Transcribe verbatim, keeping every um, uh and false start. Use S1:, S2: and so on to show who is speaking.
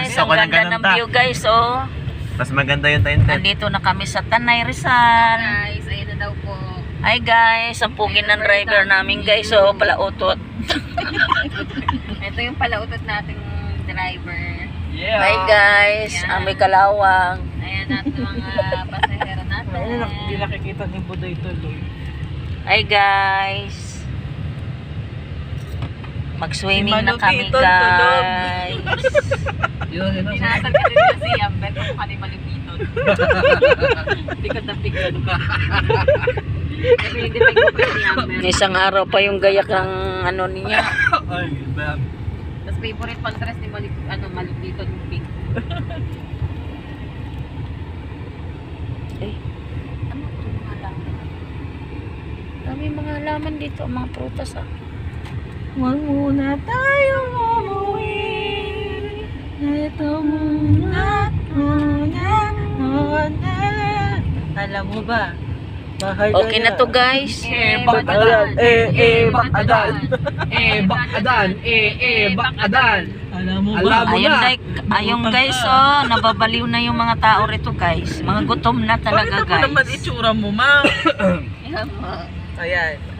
S1: guys,
S2: Gusto
S1: ang
S2: ko ng
S1: ganda
S2: ganun
S1: ng
S2: ta.
S1: view guys, oh.
S2: Mas maganda yung tent.
S1: Nandito na kami sa Tanay Rizal.
S3: Guys, ayun na daw po.
S1: Hi guys, ang pugi ng driver namin guys, oh, palautot.
S3: Ito yung palautot nating driver.
S2: Yeah.
S1: Hi guys,
S3: Yan.
S1: amoy kalawang.
S3: Ayan natin mga pasahero natin.
S4: Hindi nakikita ni Buday tuloy.
S1: Hi guys. Mag-swimming na kami
S4: Malupitong tulog.
S1: guys.
S4: Yun, yun.
S3: Pinasal ka din na si Amber kung kani malupiton. Pikot na pikot. Kasi hindi pa yung ni Amber.
S1: Isang araw pa yung gayak ng ano niya.
S4: Ay, bam.
S3: Tapos favorite contrast ni Malup, ano, malupiton yung pink.
S1: Eh, ano ito mga halaman? Dami mga halaman dito, mga prutas ah.
S3: Huwag muna tayong umuwi. Ito muna, muna, muna.
S4: Alam mo ba? Mahal
S1: Okay na to guys.
S4: Eh, bakadan. Eh, eh, bakadan. Eh, bakadan. Eh, eh, bakadan. Alam mo ba?
S1: Ayun, like, ayun guys, oh, nababaliw na yung mga tao rito guys. Mga gutom na talaga
S4: Bakit naman
S1: guys.
S4: itsura mo, ma?
S3: Yan mo.
S4: Ayan.